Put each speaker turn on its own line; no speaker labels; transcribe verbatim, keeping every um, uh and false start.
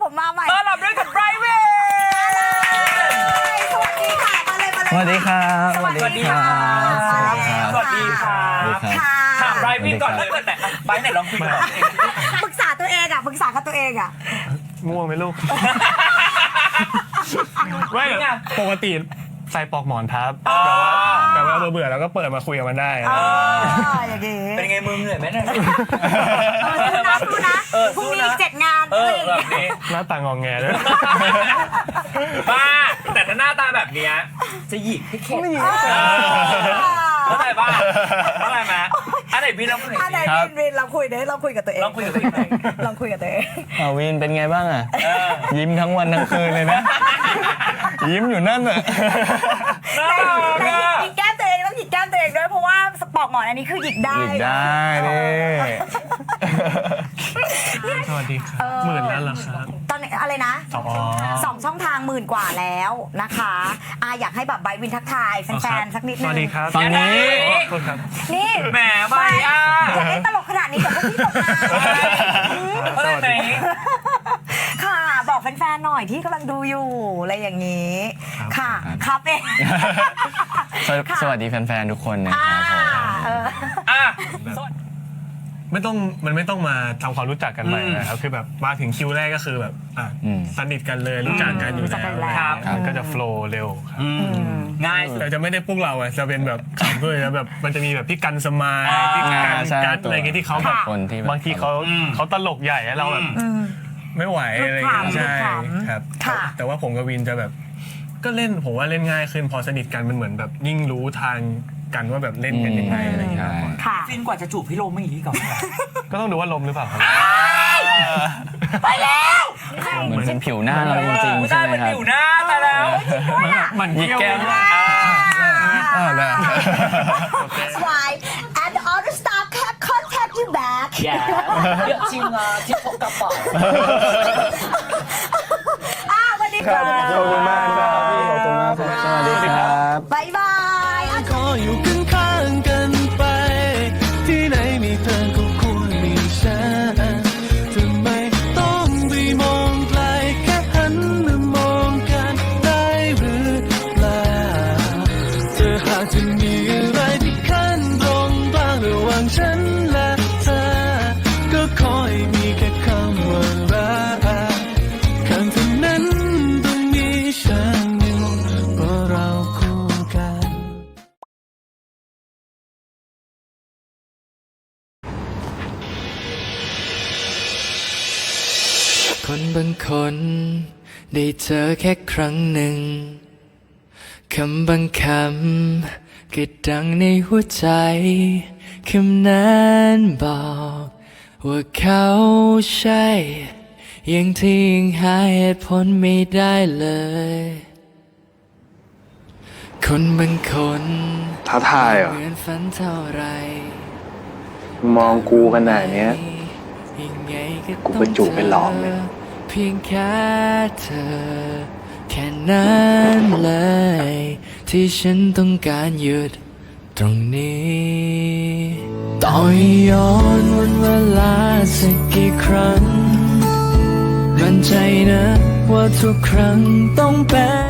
ผมมาใหม่
ต้อนรับด้วยกับไบรท์เวน
สวัสดีค่ะมาเลยมาเลย
สวัสดีครับ
สวัสดีค่ะ
สวัสดีครับ
ค่ะ
ถามไบรท์เวนก่อนถ้าเกิดแต่ไบรท์ไหนลองคุยกับเราเอง
ปรึกษาตัวเองอ่ะปรึกษากับตัวเองอ่ะ
ง่วงไหมลูก ไม่ปกติใส่ปลอกหมอนทับแต่ว่าเบื่อๆแล้วก็เปิดมาคุยกับมันได้
อย่างนี้
เป็นไงมือเหนื่อยไหมเนี่ย
สู้นะพรุ่งนี้เจ็ดงาน
เออแบบนี้
หน้าตางองแงด้วย
บ้าแต่ถ้าหน้าตาแบบเนี้ยจะหยิกให้เข็ดเข้าใจป่ะเข้าใจไหมอันไหนพี่ลองคุย
อันไหนวินวินเราคุยเด้เราคุยกับตัวเอง
ลองคุยกับตัวเอง
ลองคุยกับตัวเอง
อาวินเป็นไงบ้างอ่ะยิ้มทั้งวันทั้งคืนเลยนะยิ้มอยู่นั่นอ่ะ
หยิกแก้มตัวเองต้องหยิกแก้มตัวเองด้วยเพราะว่าสปอกหมอนอันนี้คือหยิกได้
หยิกได้นี่สวัสดีครับหมื่นแล้วเหรอครับ
ตอนอะไรนะสองช่องทางหมื่นกว่าแล้วนะคะอาอยากให้แบบไบวินทักทายแฟนๆสักนิดนึง
สวัสดีครับตอนนี้
นี่
แหมไม่อ่ะ
อยากให้ตลกขนาดนี้แต่พวกพี่ตกงาน
เข้าใจไหม
ค่ะบอกแฟนๆหน่อยที่กำลังดูอยู่อะไรอย่างนี้ค่ะครับเอง
สวัสดีแฟนๆทุกคนนะครับผม
อ่ะ
ไม่ต้องมันไม่ต้องมาทำความรู้จักกันใหม่นะครับคือแบบมาถึงคิวแรกก็คือแบบอ่ะสนิทกันเลยรู้จักกันอยู่แล้วมันก็จะโฟล์เร็วครับ
ง่าย
แต่จะไม่ได้พวกเราอ่ะจะเป็นแบบขำด้วยนะแบบมันจะมีแบบพี่กันสมายพี่กันกัดอะไรเงี้ยที่เขาแบบบางทีเขาเขาตลกใหญ่แล้วเราแบบไม่ไหวอะไรอย่างเงี้ยใช่ครับแต่ว่าผมกับวินจะแบบก็เล่นผมว่าเล่นง่ายขึ้นพอสนิทกันมันเหมือนแบบยิ่งรู้ทางกันว่าแบบเล่นกันยังไงอะไรอย่างเงี้ย
ฟินกว่าจะจูบพี่โรมไม่อย่างนี้ก่อน
ก็ต้องดูว่าลมหรือเปล่าครับ
ไปแล้ว
เหมือนเป็นผิวหน้าเราจริงๆใช่ไหมครับ
ผิวหน้าไปแล้ว
มันยิกแก้มอ่าแล้ว
Swipe and the other staff can contact you back
อย่าเยอะจริงอ่ะที่พกกระเป๋า
อ่ะวันนี้ครับ
ขอบคุณมากครับพี่ขอบคุณมากครับสวัสดีครับ
บ๊ายบาย
ขออยู่ข้างๆกันไปที่ไหนมีเธอก็ควรมีฉันทำไมต้องไปมองไกลแค่หันมามองกันได้หรือเปล่าเธอหากจะมีอะไรที่ขั้นตรงบ้างระหว่างฉันและเธอก็ขอให้มีแค่คำว่ารักคำเท่านั้นต้องมีฉันอยู่เพราะเราคู่กันคนบางคนได้เจอแค่ครั้งหนึ่งคำบางคำก็ดังในหัวใจคำนั้นบอกว่าเขาใช่ยังที่ยังหาเหตุผลไม่ได้เลยคนบางคน
ท้าทายเหรอ
เหมือนฝันเท่าไร
มองกูขนาดเนี้ยกูเป็นจูบเป็นหลอมเลย
เพียงแค่เธอแค่นั้นเลยที่ฉันต้องการหยุดตรงนี้ต่อให้ย้อนวันเวลาสักกี่ครั้งมั่นใจนะว่าทุกครั้งต้องเป็น